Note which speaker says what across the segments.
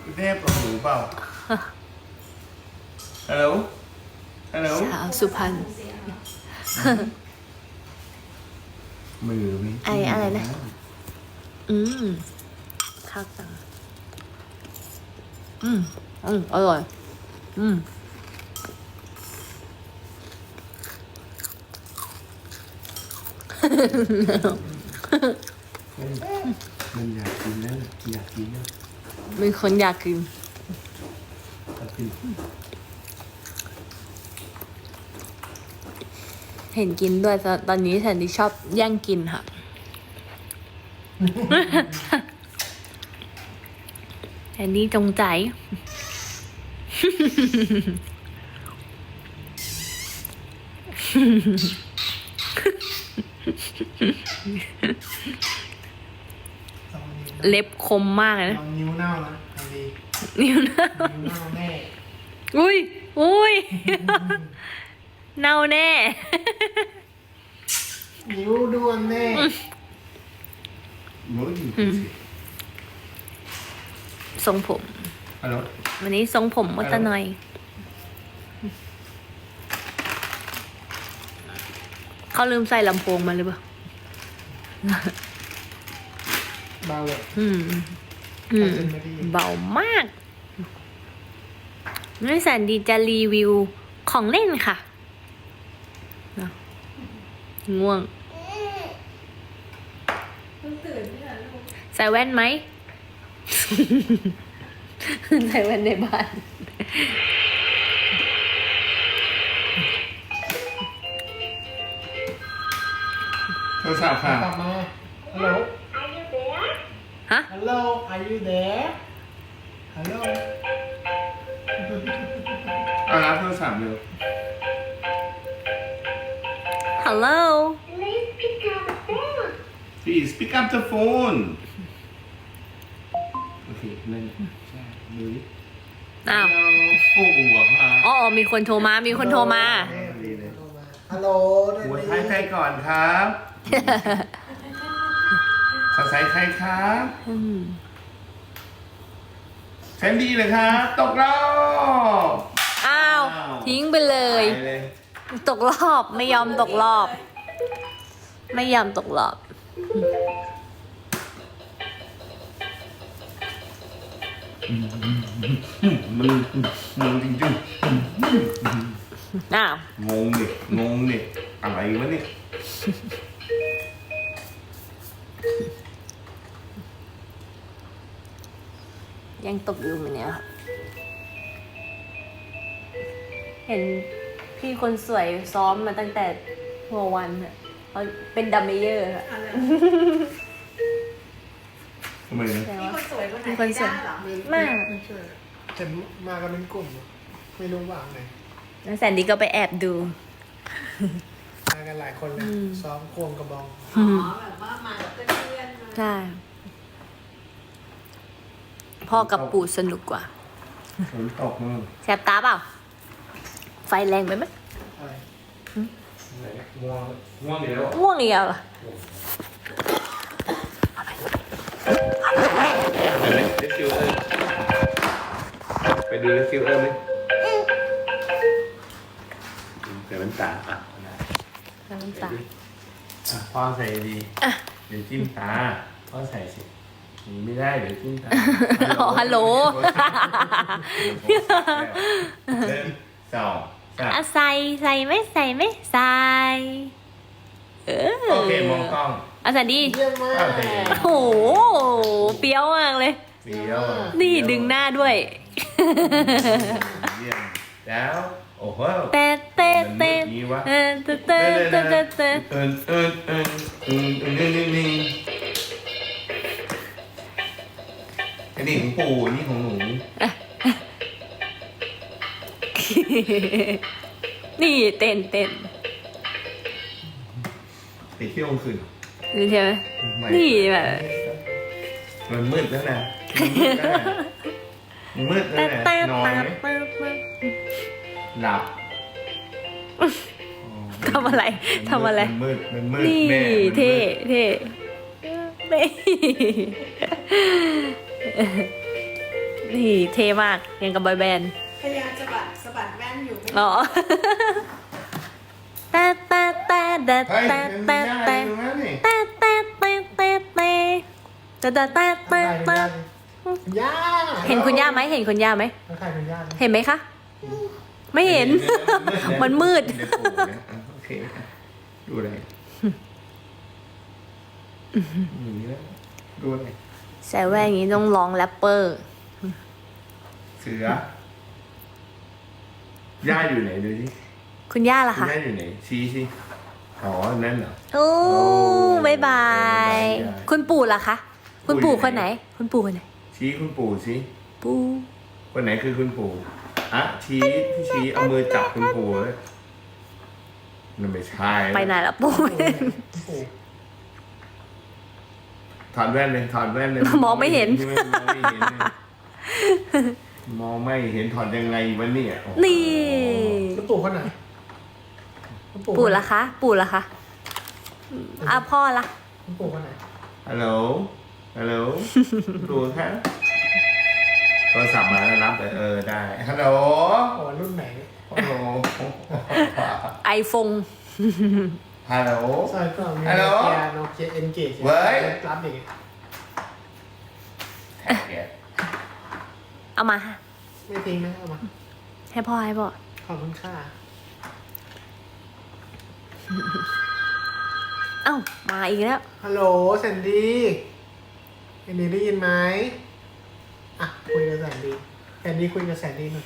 Speaker 1: แนบกับหูเปล่าฮัลโหลฮัลโหล
Speaker 2: สาวสุพรรณ
Speaker 1: มือไม่
Speaker 2: อะไรนะ ข้าวตังอร่อย
Speaker 1: มันอยากกินแล้วอยากกินแล้ว
Speaker 2: มีคนอยากกิน
Speaker 1: อยากกิน
Speaker 2: เห็นกินด้วยตอนนี้แทนที่ชอบแย่งกินค่ะ แทนนี่จงใจ เล็บคมมากเลยนะ
Speaker 3: ลองนิ้วเน่านะทำดี
Speaker 2: นิ้วนะ
Speaker 3: นิ้วเน่าแน่
Speaker 2: อุ้ย เน่าแน่
Speaker 3: นิ้วด้วนแน่
Speaker 1: มืออยู่สิ
Speaker 2: ทรงผม
Speaker 1: ฮัลโหล
Speaker 2: วันนี้ทรงผมมดตะหน่อย เขาลืมใส่ลำโพงมาหรือเปล่า
Speaker 3: เบาเลย
Speaker 2: เบามากนี่แสนดีจะรีวิวของเล่นค่ะเนอะง่วง ใส่แว่นไหม ใส่แว่นในบ้าน
Speaker 1: โทรศัพท์ค่ะ
Speaker 3: กลับมาฮัลโหล
Speaker 2: ฮะ
Speaker 3: ฮัลโหล are you there ฮัลโหล
Speaker 1: เอารับโทรศัพท์เร็ว
Speaker 2: Hello
Speaker 1: please pick up the phone โอเคนั่นใช่ดูดิ
Speaker 2: อ้าว
Speaker 1: โอ้โหค่ะ
Speaker 2: อ๋อ มีคนโทรมา มีคนโทรมา
Speaker 1: ดีเลย
Speaker 3: ฮัลโหล
Speaker 1: หัวท้ายใครก่อนครับสายใครครับแซนดี้เลยครับ ตกรอบ
Speaker 2: อ้าว ทิ้งไปเลย
Speaker 1: ไปเลย
Speaker 2: ตกรอบ ไม่ยอมตกรอบ ไม่ยอมตกรอบ
Speaker 1: มึงจริง
Speaker 2: อ้าว
Speaker 1: ๆงงดิอะไรวะเนี่ย
Speaker 2: ยังตกอยู่เหมือนเนี้ยค่ะเห็นพี่คนสวยซ้อมมาตั้งแต่หัววันค่ะเขาเป็นดัมเมเยอร์ค่ะ
Speaker 1: ทำไมนะ
Speaker 2: แต่
Speaker 4: มี
Speaker 2: ว่า
Speaker 4: คนสวยคนไหน
Speaker 2: มีคนสวย
Speaker 4: ได้เหรอ
Speaker 2: มาก
Speaker 3: ไม่ใช่แต่มากันเป็นกลุ่ม ไม่รู้ว่าไหน
Speaker 2: แล้วแซนดี้ก็ไปแอบดู
Speaker 3: มากันหลายคนเลยซ้อมควงกระบอง
Speaker 4: อ๋อแบบว่ามากับเพื่อนๆมา
Speaker 2: ใช่ พ่อกับปู่สนุกกว่า
Speaker 1: ฝนตกมั้ง
Speaker 2: แสบตาเปล่า ไฟแรงไปไหม
Speaker 3: อะไร
Speaker 1: ง่วงเดี๋ยว
Speaker 2: ง่วงอีกแล้วเหรอ
Speaker 1: ไปดูเลฟิวเออร์ไหมเดี๋ยวมันตาอ่ะ
Speaker 2: น้ำตา
Speaker 1: พ่อใส่ดีเดี๋ยวจิ้มตาพ่อใส่สิหนีไม่ได้เดี๋ยวจิ้มตา
Speaker 2: อ๋อฮัลโหล
Speaker 1: เริ่มสองสาม
Speaker 2: อ่ะใส่ไหมใส่ไหมใส่
Speaker 1: โอเคมองกล้อง
Speaker 2: อ่ะแซนดี้
Speaker 3: เยี่ยมมาก
Speaker 1: โอเค
Speaker 2: โอ้โห เปรี้ยวมากเลย
Speaker 1: เดี๋ยว
Speaker 2: นี่ดึงหน้าด้วย
Speaker 1: เยี่ยมแล้วโอ้โห
Speaker 2: เต้เต้เต้
Speaker 1: มันมืดงี้วะ
Speaker 2: เต้เต้เต้เต้เต้เต้
Speaker 1: อันนี้ของปู่อันนี้ของหนู
Speaker 2: นี่เต้นเต้น
Speaker 1: ไปเที่ยวกลางคืน
Speaker 2: นี่ใช่ไหม
Speaker 1: ไม่
Speaker 2: นี่แบบ
Speaker 1: มันมืดแล้วนะมันมืดแล้ว
Speaker 2: เต้
Speaker 1: นะ
Speaker 2: เต้
Speaker 1: นอนไหม
Speaker 2: เต้เต้
Speaker 1: หลับ
Speaker 2: ทำอะไรทำอะไร
Speaker 1: มันมืด
Speaker 2: นี่
Speaker 1: แม่มันมืด
Speaker 2: เท่เท่นี่นี่เท่มากยังกับบอยแบนด์
Speaker 4: พยายามสะบัดแว่นอยู่ไม่
Speaker 2: อ๋อแต่แต่แต่แต่
Speaker 1: เฮ้ย
Speaker 2: แต่
Speaker 1: เป็น
Speaker 2: แต่
Speaker 1: ย่า
Speaker 2: แต่
Speaker 1: อยู่ตรงนั้นนี่
Speaker 2: แต่แต่แต่แต่แต่แต่แต่แต่แต่แต่
Speaker 3: คุณย่า
Speaker 2: เห็นคุณย่าไหมเห็นคุณย่าไหม
Speaker 3: แล้วใครคุณย่า
Speaker 2: เห็นไหมคะ ไม่เห็น มันมืด
Speaker 1: เดี๋ยวปู่นะโอเคดูอะไรนี่แล้วดูอะไร
Speaker 2: ใส่แว่นอย่างนี้ต้องร้องแรปเปอร์
Speaker 1: เสือย่าอยู่ไหนดูสิ
Speaker 2: คุณย่าล่ะ
Speaker 1: คุณ
Speaker 2: คะ
Speaker 1: ย่าอยู่ไหนชี้สิอ๋อนั่นเหรอ
Speaker 2: โอ้บายบาย
Speaker 1: บ๊ายบาย
Speaker 2: คุณปู่ล่ะคะ คุณปู่
Speaker 1: ปู่อยู่
Speaker 2: คนไห
Speaker 1: ไห
Speaker 2: น
Speaker 1: น
Speaker 2: คุณปู่คนไหน
Speaker 1: ชี้คุณปู่สิ
Speaker 2: ปู่
Speaker 1: คนไหนคือคุณปู่อ่ะชี้พี่ชี้เอามือจับคุณปู่เลยนั่นไม่ใช่
Speaker 2: ไปไหนละปู่
Speaker 3: ปู่
Speaker 1: ถอดแว่นเลยถอดแว่นเลย
Speaker 2: มองไม่เห็น
Speaker 1: มองไม่เห็นเลยมองไม่เห็นถอดยังไงวะเนี่ยโอ้โห
Speaker 2: นี่
Speaker 3: แล้วปู่คนไหนแล้ว
Speaker 2: ปู่ล่ะคะ ปู่ล่ะคะอ่ะพ่อล่ะ
Speaker 3: แล้วปู่คนไหน
Speaker 1: ฮัลโหลฮัลโหลดูครับโทรศัพท์มาแล้วรับเลยได้ฮัลโหล
Speaker 3: โอ้รุ่นไหน
Speaker 1: ฮัลโหล
Speaker 2: ไอโฟน
Speaker 1: ฮัลโหล
Speaker 3: ใช่ก็มี
Speaker 1: ฮัลโหล
Speaker 3: โนเกียเอ็นเกจ
Speaker 1: เว้ย
Speaker 3: รับอย่างเงี้ย
Speaker 1: แท็กแก
Speaker 2: เอามา
Speaker 3: ไม่ทิ้งนะเอามา
Speaker 2: ให้พ่อให้พ่อ
Speaker 3: ขอบคุณค่ะ
Speaker 2: เอ้ามาอีกแล้ว
Speaker 3: ฮัลโหลแซนดี้แซนดี้ได้ยินไหมอ่ะคุยกับแซนดี้แซนดี้คุยกับแซนดี้หน่อย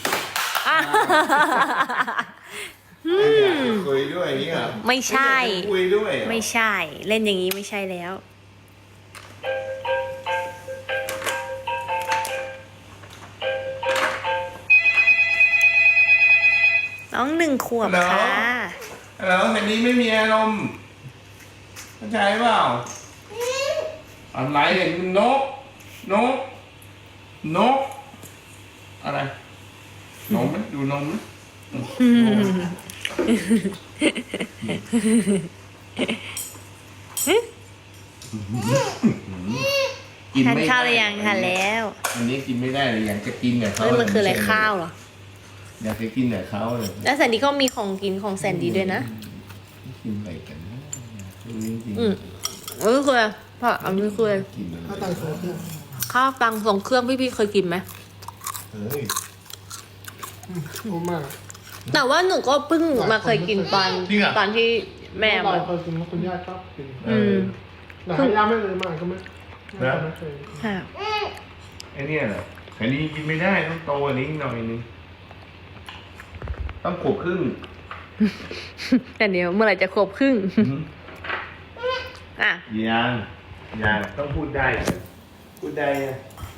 Speaker 1: คุยด้วยนี่เหรอ
Speaker 2: ไม่ใช่
Speaker 1: คุยด้วยเหรอ
Speaker 2: ไม่ใช่ เล่นอย่างนี้ไม่ใช่แล้ว น้อง1 ขวบค่ะ
Speaker 1: ฮัลโหลแซนดี้ไม่มีอารมณ์เข้าใจเปล่าอะไรเห็นนกนกนกอะไรนมไหมดูนมไหม กิน
Speaker 2: ทาน
Speaker 1: ไม่
Speaker 2: ข้าวหรือ
Speaker 1: ได้
Speaker 2: ยังทานแล้ว
Speaker 1: อันนี้กินไม่ได้เลยอยากจะกินกับเขา
Speaker 2: เฮ้ยมันคืออะไรข้าวเหรอ
Speaker 1: อยากจะกินกับเขาเลย
Speaker 2: แล้วแซนดี้ก็มีของกินของแซนดี้ด้วยนะ
Speaker 1: กินอะไรกันนะจริง
Speaker 2: อืมเออคืออะไรพ่ออันนี้คืออะไร
Speaker 1: กินอะไร
Speaker 3: ข้าวตังโซเพื่อน
Speaker 2: ข้าวตังส่งเครื่องพี่เคยกินไหม
Speaker 1: เฮ้ย
Speaker 3: โอ้มาก
Speaker 2: แต่ว่าหนูก็เพิ่งมาเคยกินตอน
Speaker 1: จริงเหรอ
Speaker 2: ตอนที่แม่
Speaker 3: เรา
Speaker 2: มา
Speaker 3: เคยกินแล้วคุณย่าชอบกิน
Speaker 2: อืม
Speaker 3: แต่ให้ย่าไม่เลยมาก็ไม่ไม่เคย
Speaker 2: ค่ะ
Speaker 1: ไอ้เนี่ยเหรออันนี้กินไม่ได้ต้องโตอันนี้หน่อยนึงต้องขวบครึ่ง
Speaker 2: แต่เดี๋ยวเมื่อไหร่จะครบครึ่ง อ่ะ
Speaker 1: ยังต้องพูดได้ก่อนพูดได้อะ